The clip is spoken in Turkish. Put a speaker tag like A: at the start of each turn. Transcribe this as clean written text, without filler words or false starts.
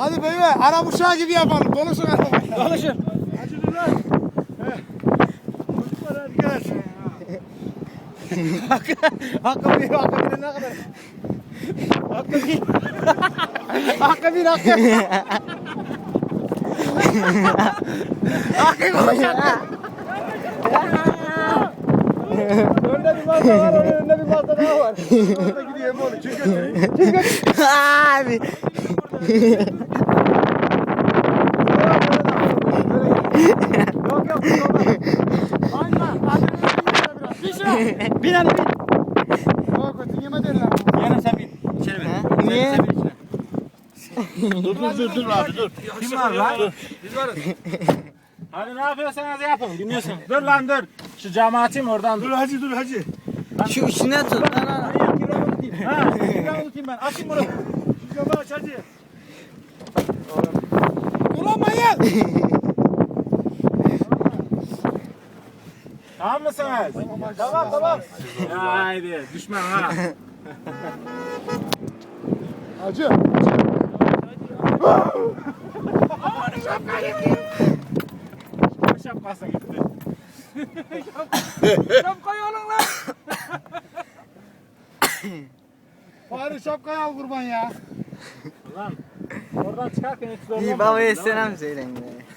A: Hadi beyler Arap uşağı gibi yapalım. Konuşun arabayı.
B: Konuşun.
A: Hadi lan. Çocuklar hadi gel. Hakkı bir ne kadar? Hakkı bir. Hakkı bir hakkı. Hakkı konuşan. Önde bir masa var, önünde bir masa daha var. Orada gidiyor oğlum. Çık götürün.
C: Abi.
A: Yok yok. Aynen. Bir şey.
B: Bin hadi bin.
A: Yok kötü yeme derler.
B: Yarın sen bin. İçeri bin.
C: Niye?
B: Sen bin içine.
D: Dur abi dur.
B: Kim var lan? Biz varız. Hadi ne yapıyorsanız yapın. Dinliyorsun. Dur lan dur. Şu camı açayım oradan dur.
D: Dur hacı dur hacı.
C: Şu içine tut. Lan lan.
B: Ha, kiramı tutayım ben. Açayım bunu.
D: Şu camı aç hacı.
A: Duramayın.
B: Tamam mısınız? Tamam. Haydi düşman ha.
A: Hacı.
B: Şapkası gitti.
A: Şapkayı alın lan. Bari şapkayı al kurban ya.
B: Lan oradan çıkarken hiç zorlanmadın.
C: İyi babaya selam söyleyin be.